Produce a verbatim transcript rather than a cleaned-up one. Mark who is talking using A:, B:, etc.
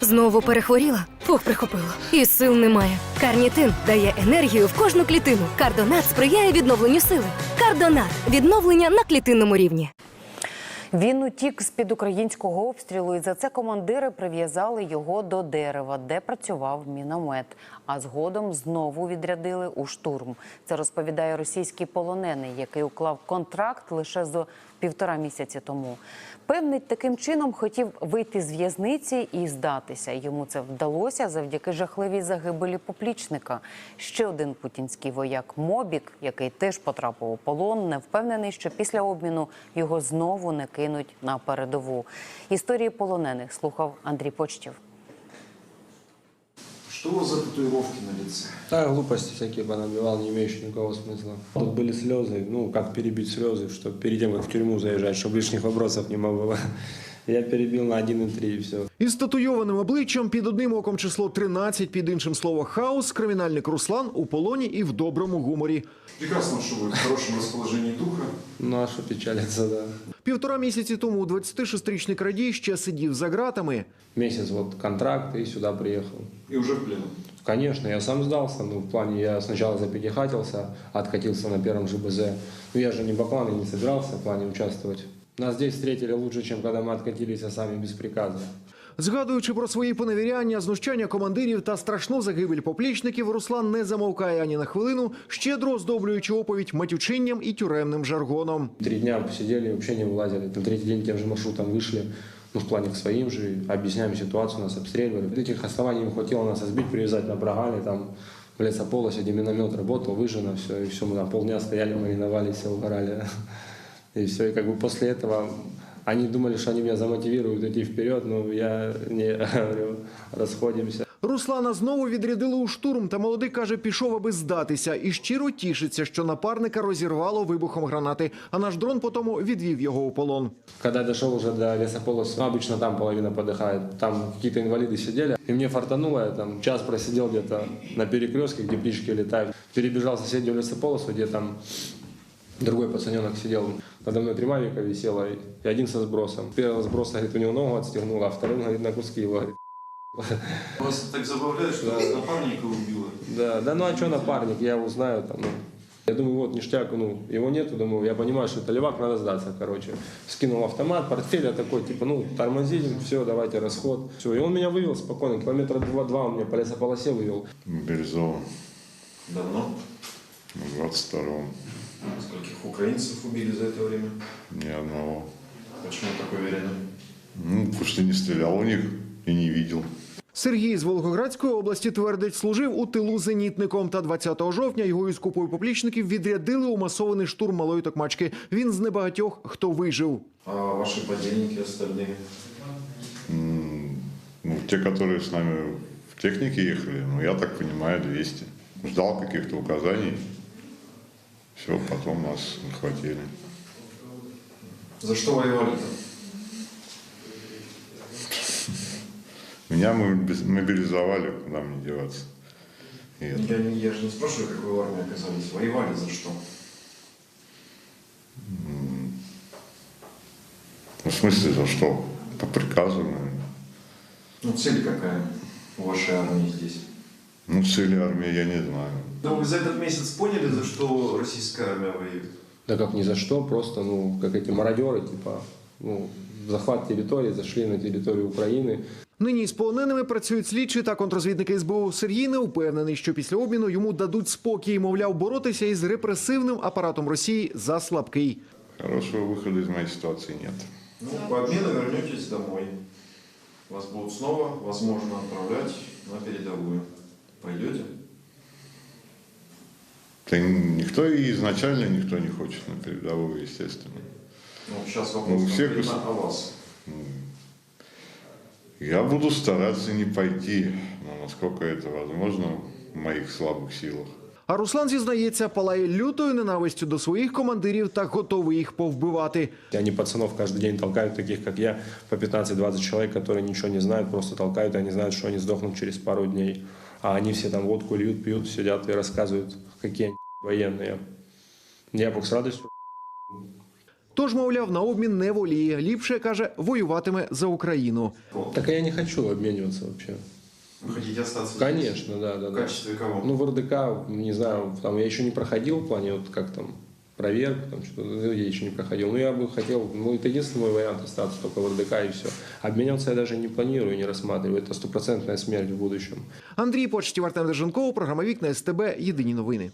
A: Знову перехворіла? Фух, прихопило. І сил немає. Карнітин дає енергію в кожну клітину. Кардонат сприяє відновленню сили. Кардонат – відновлення на клітинному рівні.
B: Він утік з-під українського обстрілу, і за це командири прив'язали його до дерева, де працював міномет. А згодом знову відрядили у штурм. Це розповідає російський полонений, який уклав контракт лише за півтора місяці тому. Певний, таким чином хотів вийти з в'язниці і здатися. Йому це вдалося завдяки жахливій загибелі поплічника. Ще один путінський вояк Мобік, який теж потрапив у полон, не впевнений, що після обміну його знову не кинуть на передову. Історії полонених слухав Андрій Почтів.
C: Что у вас за татуировки на лице?
D: Да, глупости всякие понабивал, не имеющие никакого смысла. Тут были слезы, ну, как перебить слезы, чтобы перед тем, как в тюрьму заезжать, чтобы лишних вопросов не было. Я перебил на один и три и все.
E: Із татуйованим обличчям, під одним оком число тринадцять, під іншим слово «хаос», кримінальник Руслан у полоні і в доброму гуморі.
C: Прекрасно, что вы в хорошем расположении духа.
D: Ну, а что печалиться, да.
E: Півтора місяці тому двадцятишестирічний крадій ще сидів за ґратами.
D: Месяц вот контракт и сюда приехал.
C: И уже в плену.
D: Конечно, я сам сдался, ну, в плане, я сначала запятихатился, откатился на первом же БЗ. Ну, я же не баклан и не собирался в плане участвовать. Нас здесь встретили лучше, чем когда мы откатились, а сами без приказа.
E: Згадуючи про свої поневіряння, знущання командирів та страшну загибель поплічників, Руслан не замовкає ані на хвилину, щедро оздоблюючи оповідь матючинням і тюремним жаргоном.
D: Три дня посидели, вообще не вылазили. На третий день тем же маршрутом вышли, ну, в плане к своим же, объясняем ситуацию, нас обстреливали. Этих оснований им хватило нас избить, привязать на Брагале, там, в лесополосе, где миномет работал, выжжено все, и все, мы там полдня стояли, мариновались, все угорали. И все, и как бы после этого они думали, что они меня замотивируют идти вперед, но я не говорю, расходимся.
E: Руслана знову відрядили у штурм, та молодий, каже, пішов, аби здатися. І щиро тішиться, що напарника розірвало вибухом гранати, а наш дрон потім відвів його у полон.
D: Когда я дошел уже до лесополоса, ну, обычно там половина подыхает, там какие-то инвалиды сидели, и мне фартануло, я там час просидел где-то на перекрестке, где птички летают, перебежал в соседнюю лесополосу, где там другой пацаненок сидел, надо мной три мавика висело, и один со сбросом. Первого сброса, говорит, у него ногу отстегнуло, а вторым, говорит, на куски его, говорит.
C: Вас так забавляет, что вас напарника убило?
D: Да, да, ну а что напарник, я его знаю там, ну. Я думаю, вот ништяк, ну, его нету, думаю, я понимаю, что это левак, надо сдаться, короче. Скинул автомат, портфель, я такой, типа, ну, тормозим, все, давайте расход. Все, и он меня вывел спокойно, километра два-два он меня по лесополосе вывел.
F: Бирюзово.
C: Давно?
F: В двадцать втором.
C: Скольких украинцев убили за это время?
F: Ни одного.
C: Почему так уверены?
F: Ну, потому что не стрелял у них и не видел.
E: Сергій з Волгоградської області твердить, служив у тилу зенітником. Та двадцятого жовтня його із купою поплічників відрядили у масований штурм Малої Токмачки. Він з небагатьох, хто вижив.
C: А ваши подельники остальные?
F: Ну, те, которые с нами в технике ехали, ну, я так понимаю, двести. Ждал каких-то указаний. Все, потом нас хватили.
C: За что воевали-то?
F: Меня мы мобилизовали, куда мне деваться. И это.
C: Я, не- я же не спрашиваю, как вы в армии оказались. Воевали за что?
F: Ну, в смысле, за что? По приказу, наверное.
C: Ну, цель какая у вашей армии здесь?
F: Ну, цели армии я не знаю.
C: Ну, вы за этот месяц поняли, за что российская армия воюет?
D: Да как ни за что, просто, ну, как эти мародеры, типа, ну, захват территории, зашли на территорию Украины.
E: Нині з полоненими працюють слідчі та контрозвідники ес бе у. Сергій не впевнений, що після обміну йому дадуть спокій. Мовляв, боротися із репресивним апаратом Росії за слабкий.
F: Хорошего выхода из моей ситуации нет.
C: Ну, по обмену вернетесь домой. Вас будут снова, возможно, отправлять на передовую. Пойдете?
F: Да никто и изначально никто не хочет на передовую, естественно.
C: Ну, сейчас
F: Ну,
C: вопрос
F: у всех
C: конкретно
F: гос-
C: о вас.
F: Я буду стараться не пойти, но насколько это возможно в моих слабых силах.
E: А Руслан, зізнається, палає лютою ненавистю до своїх командирів та готовий їх повбивати.
D: Они пацанов каждый день толкают, таких как я, по пятнадцать-двадцать человек, которые ничего не знают, просто толкают, и они знают, что они сдохнут через пару дней. А они все там водку льют, пьют, сидят и рассказывают, какие они военные. Я бы с радостью.
E: Тож, мовляв, на обмін не воліє. Ліпше, каже, воюватиме за Україну.
D: Так я не хочу обмениваться вообще.
C: Вы хотите остаться здесь?
D: Конечно, да, да,
C: В
D: да.
C: качестве кого?
D: Ну, в эр дэ ка, не знаю, там я еще не проходил в плане, вот как там, проверку, там что-то, ну, я еще не проходил. Но я бы хотел, ну, это единственный мой вариант остаться только в эр дэ ка и все. Обменяться я даже не планирую, не рассматриваю. Это стопроцентная смерть в будущем.
E: Андрій Почтів, Артем Деженков, програма «Вікна ес те бе», єдині новини.